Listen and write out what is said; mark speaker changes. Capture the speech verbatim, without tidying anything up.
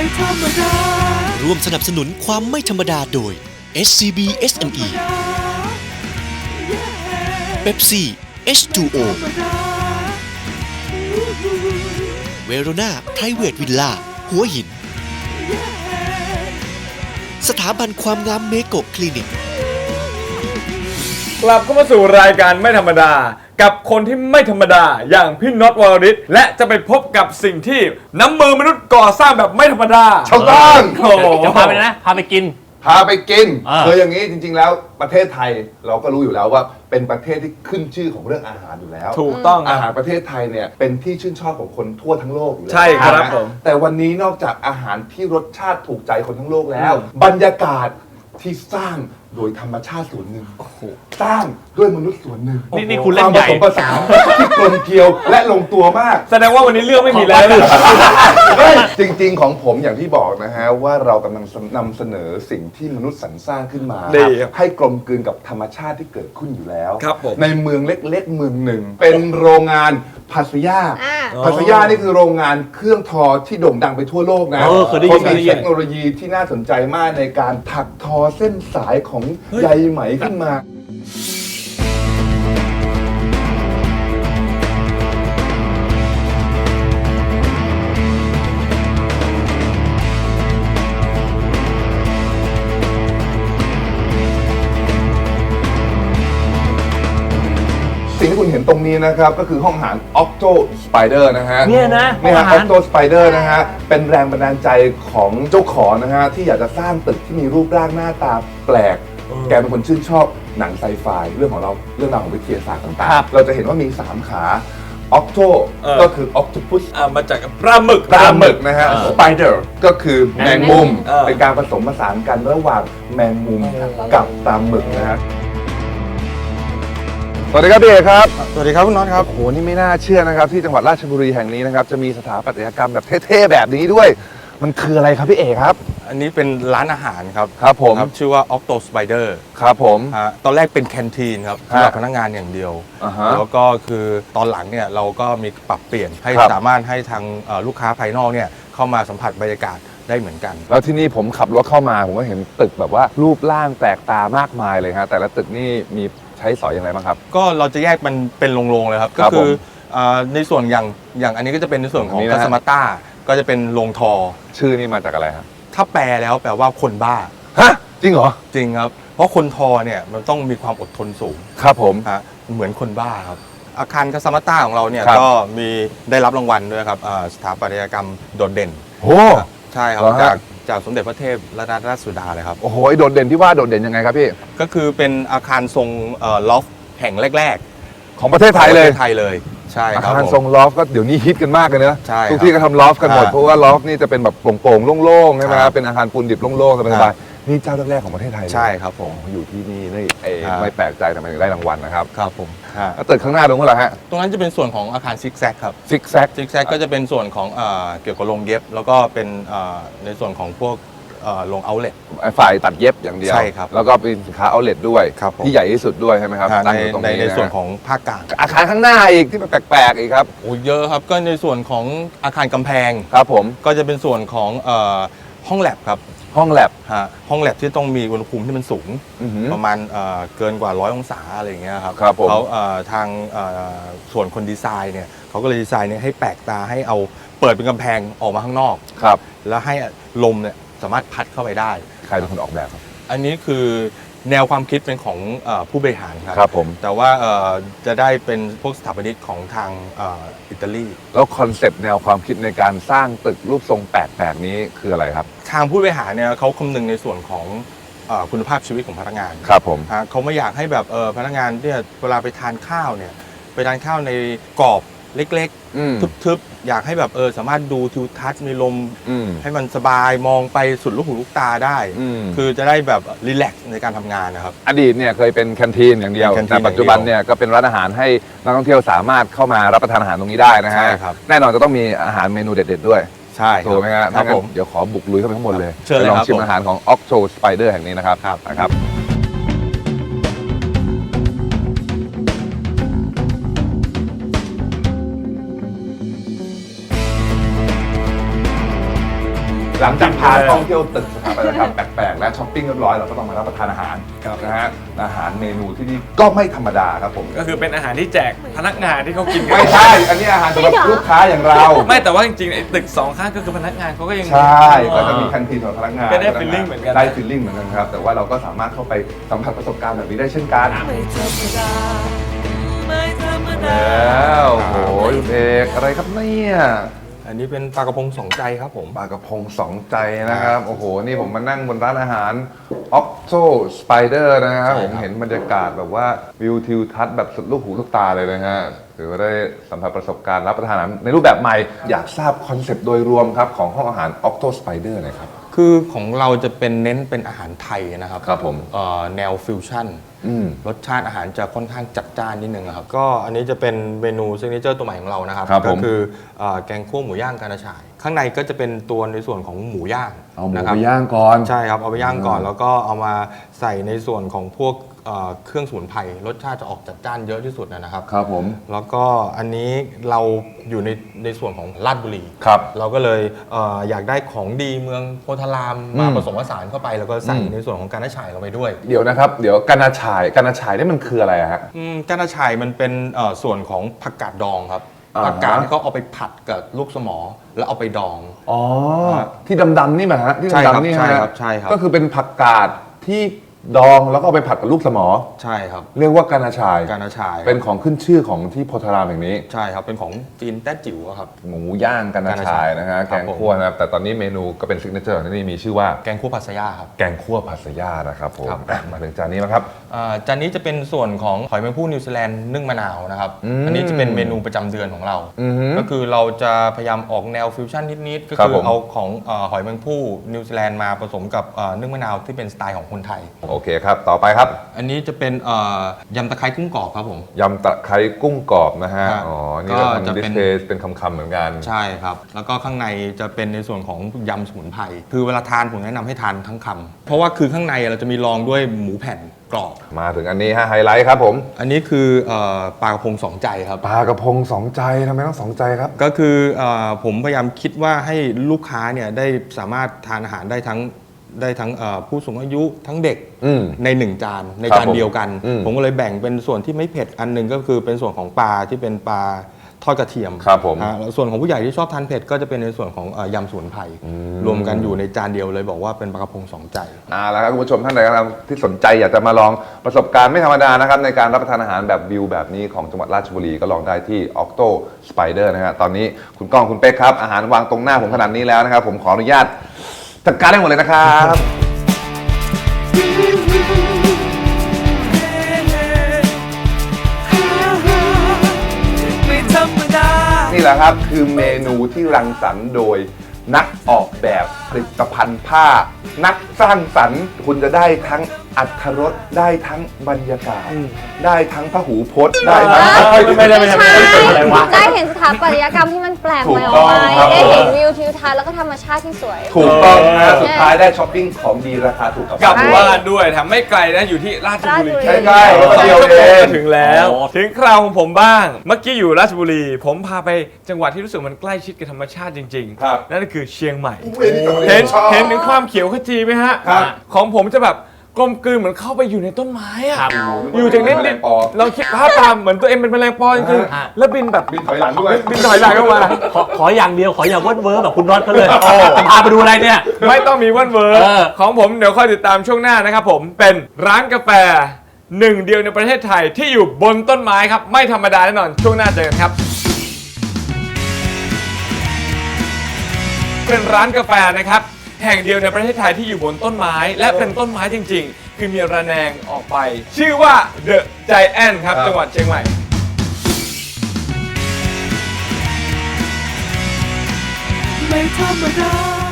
Speaker 1: ร่วมสนับสนุนความไม่ธรรมดาโดย เอส ซี บี เอส เอ็ม อี Pepsi เอช ทู โอ เวโรนาไพรเวทวิลล่าหัวหินสถาบันความงามเมโกะคลินิก
Speaker 2: กลับเข้ามาสู่รายการไม่ธรรมดากับคนที่ไม่ธรรมดาอย่างพี่น็อตวรริศและจะไปพบกับสิ่งที่น้ำมือมนุษย์ก่อสร้างแบบไม่ธรรมดา
Speaker 3: ถูกต้อง
Speaker 2: โอ้โห
Speaker 4: จะพาไปนะพาไปกิน
Speaker 3: พาไปกิน
Speaker 4: อ่า
Speaker 3: คืออย่างนี้จริงๆแล้วประเทศไทยเราก็รู้อยู่แล้วว่าเป็นประเทศที่ขึ้นชื่อของเรื่องอาหารอยู่แล้ว
Speaker 2: ถูกต้อง
Speaker 3: อาหารประเทศไทยเนี่ยเป็นที่ชื่นชอบของคนทั่วทั้งโลกอยู่แล้ว
Speaker 2: ใช่ครับ
Speaker 3: นะ
Speaker 2: ผม
Speaker 3: แต่วันนี้นอกจากอาหารที่รสชาติถูกใจคนทั้งโลกแล้ว บรรยากาศที่สร้างโดยธรรมชาติส่วนหนึ่งสร้างด้วยมนุษย์ส่วนหนึ่ง
Speaker 4: นี่นี่คุณเล่นใหญ่
Speaker 3: ความผสมผสานที่กลมเกลียวและลงตัวมาก
Speaker 2: แสดงว่าวันนี้เรื่องไม่มีแล้ว
Speaker 3: เฮ้ยจริงๆ ของผมอย่างที่บอกนะฮะว่าเรากำลังนำเสนอสิ่งที่มนุษย์สรรสร้างขึ้นมา
Speaker 2: ดีครับ
Speaker 3: ให้กลมกลืนกับธรรมชาติที่เกิดขึ้นอยู่แล้ว
Speaker 2: ครับผม
Speaker 3: ในเมืองเล็กๆ เมืองหนึ่ง เป็นโรงงานพัสยา
Speaker 5: อ่า
Speaker 3: พัสยานี่คือโรงงานเครื่องทอที่โด่งดังไปทั่วโลกนะ
Speaker 4: เออเคยได้ยิน
Speaker 3: เขา
Speaker 4: เคยได้
Speaker 3: มี
Speaker 4: ยิน
Speaker 3: เทคโนโลยีที่น่าสนใจมากในการถักทอเส้นสายของใยไหมขึ้นมา สิ่งที่คุณเห็นตรงนี้นะครับ ก็คือห้องอาหาร Octo Spider นะฮะ
Speaker 4: เนี่ยนะ
Speaker 3: นี่ฮะ
Speaker 4: ห้องอาหาร
Speaker 3: Octo Spider นะฮะ เป็นแรงบันดาลใจของเจ้าของนะฮะ ที่อยากจะสร้างตึกที่มีรูปร่างหน้าตาแปลก แกเป็นคนชื่นชอบหนังไซไฟเรื่องของเราเรื่องราวของวิทยาศาสตร์ต่าง
Speaker 4: ครับ
Speaker 3: ๆ เราจะเห็นว่ามี สาม ขา Octo
Speaker 2: เออ
Speaker 3: ก็คือ Octopus
Speaker 2: อ่ามาจากปลาหมึก
Speaker 3: ปลาหมึกนะฮะ
Speaker 4: เออ
Speaker 3: Spider ก็คือแมงมุม
Speaker 2: เออ
Speaker 3: เป็นการผสมผสานกันระหว่างแมงมุมกับปลาหมึกนะฮะ สวัสดีครับพี่เอกครับ
Speaker 6: สวัสดีครับคุณน็อตครับ
Speaker 3: โอ้โห นี่ไม่น่าเชื่อนะครับ ที่จังหวัดราชบุรีแห่งนี้นะครับ จะมีสถาปัตยกรรมแบบเท่ๆแบบนี้ด้วย มันคืออะไรครับพี่เอกครับ
Speaker 6: อันนี้เป็นร้านอาหารครับ
Speaker 3: ครับผม
Speaker 6: ครับชื่อว่า Octo Spider
Speaker 3: ครับผม
Speaker 6: ฮะตอนแรกเป็นแคนทีนครับ
Speaker 3: ฮะ
Speaker 6: สำหรับพนักงานอย่างเดียว
Speaker 3: อ่าฮะ
Speaker 6: แล้วก็คือตอนหลังเนี่ยเราก็มีปรับเปลี่ยนให้
Speaker 3: ครับ
Speaker 6: สามารถให้ทางเอ่อลูกค้าภายนอกเนี่ยเข้ามาสัมผัสบรรยากาศได้เหมือนกัน
Speaker 3: แล้วที่นี่ผมขับรถเข้ามา ผมก็เห็นตึกแบบว่ารูปร่างแปลกตามากมายเลยฮะแต่ละตึกนี่มีใช้สอยอย่างไรบ้างครับ
Speaker 6: ก็เราจะแยกมันเป็นโรงๆเลยครับ
Speaker 3: ค
Speaker 6: ก็
Speaker 3: รับ
Speaker 6: คือ
Speaker 3: ผม
Speaker 6: เอ่อในส่วนอย่างอย่างอันนี้ก็จะเป็นในส่วนขอ
Speaker 3: อัน
Speaker 6: ง
Speaker 3: นี้
Speaker 6: กั
Speaker 3: นะฮะ
Speaker 6: สมาต้าก็จะเป็นโรงทอ
Speaker 3: ชื่อนี่มาจากอะไรครับ
Speaker 6: ถ้าแปลแล้วแปลว่าคนบ้า
Speaker 3: ฮะ จริงเหรอ
Speaker 6: จริงครับ เพราะคนทอเนี่ยมันต้องมีความอดทนสูง
Speaker 3: ครับผม
Speaker 6: ฮะเหมือนคนบ้าครับ อาคารคาซามาต้าของเราเนี่ย
Speaker 3: ครับ
Speaker 6: ก็มีได้รับรางวัลด้วยครับอ่าสถาปัตยกรรมโดดเด่น
Speaker 3: โอ้
Speaker 6: ใช่ครับ
Speaker 3: เหรอฮะ
Speaker 6: จากจากสมเด็จพระเทพรัตนราชสุดาเลยครับ
Speaker 3: โอ้โหไอ้โดดเด่นที่ว่าโดดเด่นยังไงครับพี่
Speaker 6: ก็คือเป็นอาคารทรงลอฟแห่งแรก
Speaker 3: ของประเทศ
Speaker 6: ๆ
Speaker 3: ไทยเลย
Speaker 6: ของประทศไทยเลยใช่
Speaker 3: อา
Speaker 6: ครับ
Speaker 3: คาร
Speaker 6: ผม
Speaker 3: ทรงลอฟก็เดี๋ยวนี้ฮิตกันมากเลยนะ
Speaker 6: ใช่ครับ
Speaker 3: ทุกที่ก็ทำลอฟกันหมด
Speaker 6: อ่า
Speaker 3: เพราะว่าลอฟนี่จะเป็นแบบโปร่งๆโล่งๆใช่ไหมค
Speaker 6: ครั
Speaker 3: รับบ เป็นอาคารปูนดิบโล่งๆส
Speaker 6: ครับ
Speaker 3: ายๆนี่เจ้าแรกๆของประเทศไทยเลย
Speaker 6: ใช่ครับผม
Speaker 3: อยู่ที่นี่นี่เอง
Speaker 6: ครับ
Speaker 3: ไม่แปลกใจทำไมถึงได้รางวัลนะครับ
Speaker 6: ครับผมฮะ
Speaker 3: แล้วตึกข้างหน้าตรงนั้นแหละฮะ
Speaker 6: ตรงนั้นจะเป็นส่วนของอาคารซิกแซกครับ
Speaker 3: ซิกแซก
Speaker 6: ซิกแซกก็จะเป็นส่วนของเอ่อเกี่ยวกับโรงเย็บ แล้วก็เป็นเอ่อในส่วนของพวกเอ่อโรงเอาท์เล็ต
Speaker 3: ฝ่ายตัดเย็บอย่างเดียว
Speaker 6: ใช่ครับ
Speaker 3: แล้วก็เป็นสินค้าเอาเลทด้วย
Speaker 6: ครับผม
Speaker 3: ที่ใหญ่ที่สุดด้วยใช่ไหมครับ
Speaker 6: ฮะ
Speaker 3: ตั้
Speaker 6: ใน
Speaker 3: งอยู่ตรง
Speaker 6: ใน
Speaker 3: นี้
Speaker 6: ใน
Speaker 3: นะ
Speaker 6: ส่วนของภาคกลาง
Speaker 3: อาคารข้างหน้าอีกที่มันแปลกๆอีกครับ
Speaker 6: โอ้เยอะครับก็ในส่วนของอาคารกำแพง
Speaker 3: ครับผม
Speaker 6: ก็จะเป็นส่วนของเอ่อห้องแลบครับ
Speaker 3: ห้องแลบ
Speaker 6: ฮะห้องแลบที่ต้องมีอุณหภูมิที่มันสูง
Speaker 3: อื้อหือ
Speaker 6: ประมาณเอ่อเกินกว่าร้อยองศาอะไรอย่างเงี้ยครับ
Speaker 3: ครับผม
Speaker 6: เขาเอ่อทางเอ่อส่วนคนดีไซน์เนี่ยเขาก็เลยดีไซน์เนี่ยให้แปลกตาให้เอาเปิดเป็นกำแพงออกมาข้างนอก
Speaker 3: ครับ
Speaker 6: แล้วให้ลมเนี่ยสามารถพัดเข้าไปได้
Speaker 3: ใครเป็นคนออกแบบครับ
Speaker 6: อันนี้คือแนวความคิดเป็นของเอ่อผู้บริหารครับ
Speaker 3: ครับผม
Speaker 6: แต่ว่าเอ่อจะได้เป็นพวกสถาปนิกของทางเอ่ออิตาลี
Speaker 3: แล้วคอนเซปต์แนวความคิดในการสร้างตึกรูปทรงแปลกๆนี้คืออะไรครับ
Speaker 6: ทางผู้บริหารเนี่ยเขาคำนึงในส่วนของเอ่อคุณภาพชีวิตของพนักงาน
Speaker 3: ครับผม
Speaker 6: ฮะเขาไม่อยากให้แบบเออพนักงานเนี่ยเวลาไปทานข้าวเนี่ยไปทานข้าวในกรอบเล็ก
Speaker 3: อืม
Speaker 6: ๆทึบๆอยากให้แบบเออสามารถดูทิวทัศน์มีลม
Speaker 3: อืม
Speaker 6: ให้มันสบายมองไปสุดลูกหูลูกตาได้
Speaker 3: อืม
Speaker 6: คือจะได้แบบรีแลกซ์ในการทำงานนะครับ
Speaker 3: อดีตเนี่ยเคยเป็นแคนทีนอย่างเดียว
Speaker 6: เป็นแคนทีน
Speaker 3: แต่ปัจจุบันเนี่ยก็เป็นร้านอาหารให้นักท่องเที่ยวสามารถเข้ามารับประทานอาหารตรงนี้ได้นะฮะ
Speaker 6: ใช่ครับ
Speaker 3: แน่นอนจะต้องมีอาหารเมนูเด็ดๆด้วย
Speaker 6: ใช่
Speaker 3: ถูกไหมฮะ
Speaker 6: ครั
Speaker 3: ถ้า
Speaker 6: บ
Speaker 3: งั้
Speaker 6: ผ
Speaker 3: น
Speaker 6: ม
Speaker 3: เดี๋ยวขอบุกลุยเข้าไปข้างบนเลย
Speaker 6: เชิญเลย
Speaker 3: ไปลอง
Speaker 6: ครับ
Speaker 3: ชิม
Speaker 6: ผม
Speaker 3: อาหารของ Octo Spider แห่งนี้นะครับ
Speaker 6: ครับ
Speaker 3: นะครับ แหลังจากพาท่องเที่ยวตึกสถาปัตยกรรมแปลกๆและช้อปปิ้งเรียบร้อยเราก็ต้องมารับประทานอาหารนะฮะอาหารเมนูที่นี่ก็ไม่ธรรมดาครับผม
Speaker 2: ก็คือเป็นอาหารที่แจกพนักงานที่เขากินกัน
Speaker 3: ไม่ใช่ อันนี้อาหารสำหรับลูกค้าอย่างเรา
Speaker 2: ไม่แต่ว่าจริงๆไอ้ตึกสองข้างก็คือพนักงานเขาก็ยัง
Speaker 3: ใช่ก็จะมีแคนทีนสำหรับพนักงาน
Speaker 2: ก็ได้ feeling เหมือนกัน
Speaker 3: ได้ฟีลลิ่งเหมือนกันครับแต่ว่าเราก็สามารถเข้าไปสัมผัสประสบการณ์แบบนี้ได้เช่นกันแล้วโอ้โหคุณเอกอะไรครับเนี่ย
Speaker 6: อันนี้เป็นปลากระพงสองใจครับผม
Speaker 3: ปลากระพงสองใจนะครับ โอ้โห นี่ผมมานั่งบนร้านอาหาร Octo Spider นะครับ
Speaker 6: ใช่ครับ
Speaker 3: ผมเห็นบรรยากาศแบบว่าวิวทิวทัศน์แบบสุดลูกหูลูกตาเลยนะฮะถือว่าได้สัมผัสประสบการณ์รับประทานอาหารในรูปแบบใหม่ อยากทราบคอนเซปต์โดยรวมครับของห้องอาหาร Octo Spider หน่อยครับ
Speaker 6: คือของเราจะเป็นเน้นเป็นอาหารไทยนะครับ
Speaker 3: ครับผม
Speaker 6: เอ่อแนวฟิวชั่น
Speaker 3: อืม
Speaker 6: รสชาติอาหารจะค่อนข้างจัดจ้านนิดนึงครับก็อันนี้จะเป็นเมนูซิกเนเจอร์ตัวใหม่ของเรานะครับ
Speaker 3: ครับผม
Speaker 6: ก็คือเอ่อแกงคั่วหมูย่างกระชาย ข้างในก็จะเป็นตัวในส่วนของหมูย่าง
Speaker 3: เอาหมู
Speaker 6: นะครั
Speaker 3: ไป
Speaker 6: บ
Speaker 3: ย่างก่อน
Speaker 6: ใช่ครับเอาไปย่างก่อน
Speaker 3: อืม
Speaker 6: แล้วก็เอามาใส่ในส่วนของพวกเอ่อเครื่องสมุนไพรรสชาติจะออกจัดจ้านเยอะที่สุดนะครับ
Speaker 3: ครับผม
Speaker 6: แล้วก็อันนี้เราอยู่ในในส่วนของลาดบุรี
Speaker 3: ครับ
Speaker 6: เราก็เลยเอออยากได้ของดีเมืองโพธารามมา
Speaker 3: อืม
Speaker 6: ผสมผสานเข้าไป แล้วก็ใส่
Speaker 3: อืม
Speaker 6: ในส่วนของการฉายลงไปด้วย
Speaker 3: เดี๋ยวนะครับ เดี๋ยวกานาชายกานาชายนี่มันคืออะไรอะฮะ
Speaker 6: อืมการฉายมันเป็นเอ่อส่วนของผักกาดดองครับ
Speaker 3: อ่าฮะ
Speaker 6: ผักกาดที่เขาเอาไปผัดกับลูกสมอแล้วเอาไปดอง
Speaker 3: อ๋อ ที่ดำๆนี่มาฮะที่
Speaker 6: ใช่ครับ
Speaker 3: ดำๆนี่
Speaker 6: ใช่
Speaker 3: ฮะ
Speaker 6: ครับใช่ครับ
Speaker 3: ก็คือเป็นผักกาดที่ดองแล้วก็เอาไปผัดกับลูกสมอ
Speaker 6: ใช่ครับ
Speaker 3: เรียกว่ากานาชาย
Speaker 6: การฉาย
Speaker 3: เป็นของขึ้นชื่อของที่โพธารามแห่งนี้
Speaker 6: ใช่ครับเป็นของจีนแต้จิ๋วอะครับ
Speaker 3: หมูย่างกานาชายนะฮะ
Speaker 6: ค
Speaker 3: แก
Speaker 6: รับ
Speaker 3: ง
Speaker 6: ผม
Speaker 3: คั่วนะครับแต่ตอนนี้เมนูก็เป็นซิกเนเจอร์ของที่นี่มีชื่อว่า
Speaker 6: แกงคั่วผัดสะยาครับ
Speaker 3: แกงคั่วผัดสะย่านะครับผม
Speaker 6: ครับ
Speaker 3: อ่ะมาถึงจานนี้แล้วครับ
Speaker 6: อ่าจานนี้จะเป็นส่วนของหอยแมงภู่นิวซีแลนด์นึ่งมะนาวนะครับ
Speaker 3: อืม
Speaker 6: อันนี้จะเป็นเมนูประจำเดือนของเรา
Speaker 3: อือฮึ
Speaker 6: ก็คือเราจะพยายามออกแนวฟิวชั่นนิดๆก็
Speaker 3: ครับ
Speaker 6: คือ
Speaker 3: ผม
Speaker 6: เอาของเอ่อหอยแมงภู่นิวซีแลนด์มาผสมกับเอ่อนึ่งมะนาวที่เป็นสไตล์ของคนไทย
Speaker 3: โอเคครับ ต่อไปครับ
Speaker 6: อันนี้จะเป็นเอ่อยำตะไคร้กุ้งกรอบครับผม
Speaker 3: ยำตะไคร้กุ้งกรอบนะฮะ
Speaker 6: ครับ
Speaker 3: อ๋อ นี่เรา
Speaker 6: ก็จะ
Speaker 3: ทำดิ
Speaker 6: เป็
Speaker 3: ส
Speaker 6: น
Speaker 3: เพลย์เป็นคำๆเหมือนกัน
Speaker 6: ใช่ครับ แล้วก็ข้างในจะเป็นในส่วนของยำสมุนไพรคือเวลาทานผมแนะนำให้ทานทั้งคำเพราะว่าคือข้างในเราจะมีรองด้วยหมูแผ่นกรอบ
Speaker 3: มาถึงอันนี้ฮะไฮไลท์ครับผม
Speaker 6: อันนี้คือเอ่อปลากระพงสองใจครับ
Speaker 3: ปลากระพงสองใจทำไมต้องสองใจครับ
Speaker 6: ก็คือเออผมพยายามคิดว่าให้ลูกค้าเนี่ยได้สามารถทานอาหารได้ทั้งได้ทั้งเอ่อผู้สูงอายุทั้งเด็ก
Speaker 3: อืม
Speaker 6: ในหนึ่งจานใน
Speaker 3: ครับ
Speaker 6: จานเดียวกัน
Speaker 3: อืม
Speaker 6: ผมก็เลยแบ่งเป็นส่วนที่ไม่เผ็ดอันหนึ่งก็คือเป็นส่วนของปลาที่เป็นปลาทอดกระเทียม
Speaker 3: ครับผม
Speaker 6: ฮะแล้วส่วนของผู้ใหญ่ที่ชอบทานเผ็ดก็จะเป็นในส่วนของเอ่อยำสมุนไพร
Speaker 3: ม
Speaker 6: รวมกันอยู่ในจานเดียวเลยบอกว่าเป็นปลากระพงสองใจ
Speaker 3: อ่าแล้วครับคุณผู้ชมท่านใดก็ตามที่สนใจอยากจะมาลองประสบการณ์ไม่ธรรมดานะครับในการรับประทานอาหารแบบวิวแบบนี้ของจังหวัดราชบุรีก็ลองได้ที่ Octo Spider นะฮะตอนนี้คุณก้องคุณเป๊กครับอาหารวางตรงหน้าผมขนาดนี้แล้วนะครับผมขออนุญาตจัดการได้หมดเลยนะครับ นี่แหละครับคือเมนูที่รังสรรค์โดยนักออกแบบผลิตภัณฑ์ผ้า นักสร้างสรรค์คุณจะได้ทั้งอรรถรสได้ทั้งบรรยากาศ ได้ทั้งพหูพจน์ได้ทั้ง
Speaker 4: ไม่ได้ไม่ได้ไม่ได้อะไรวะ
Speaker 5: ได้เห็นสถาปัตยกรรมที่มันแปลกใหม่
Speaker 3: ถู
Speaker 5: อก อก
Speaker 3: ต้อง
Speaker 5: ไป
Speaker 3: ครับ
Speaker 5: ได้เห็นวิวทิวทัศน์แล้วก็ธรรมชาติที่สวย
Speaker 3: ถูกต้องนะสุดท้ายได้ช้อปปิ้งของดีราคาถูกกับ
Speaker 2: กลับ
Speaker 3: บ้าน
Speaker 2: บ้านด้วยทำไม่ไกลนะอยู่ที่ราชบุรี
Speaker 5: ราชบุรี
Speaker 3: ใกล้ๆรถเดียวเอง
Speaker 2: ถึงแล้ว ถึงคราวของผมบ้าง เมื่อกี้อยู่ราชบุรี ผมพาไปจังหวัดที่รู้สึกมันใกล้ชิดกับธรรมชาติจริง
Speaker 3: ครับ
Speaker 2: นั่นก็คือเชียงใหม่
Speaker 3: เห็
Speaker 2: เห็
Speaker 3: น
Speaker 2: นเห็นถึงความเขียวขจีไหมฮะ
Speaker 3: ครับ
Speaker 2: ของผมจะแบบกลมกลืนเหมือนเข้าไปอยู่ในต้นไม้อะ
Speaker 4: ครับ
Speaker 2: อยู่จากนิด
Speaker 3: แมล
Speaker 2: นิ
Speaker 3: ง
Speaker 2: ด
Speaker 3: ปอ
Speaker 2: เราคิดภาพตามเหมือนตัวเองเป็นแมลงปอจริง
Speaker 4: อ่า
Speaker 2: ๆแล้วบินแบบ
Speaker 3: บินถอยหลังด้วย
Speaker 2: บินถอยหลังเข้ามา
Speaker 4: ขอขออย่างเดียวขออย่าเวิร์ดเวิร์ดแบบคุณน็อตเขาเลยจะพาไปดูอะไรเนี่ย
Speaker 2: ไม่ต้องมีวันเวิร์
Speaker 4: เออ
Speaker 2: ของผมเดี๋ยวค่อยติดตามช่วงหน้านะครับผมเป็นร้านกาแฟหนึ่งเดียวในประเทศไทยที่อยู่บนต้นไม้ครับไม่ธรรมดาแน่นอนช่วงหน้าเจอกันครับ เป็นร้านกาแฟนะครับแห่งเดียวในประเทศไทยที่อยู่บนต้นไม้ และเป็นต้นไม้จริงๆ คือมีระแนงออกไป ชื่อว่า The Giant ครับ
Speaker 3: ครับ
Speaker 2: จังหวัดเชียงใหม่
Speaker 7: ไม่ธรรมดา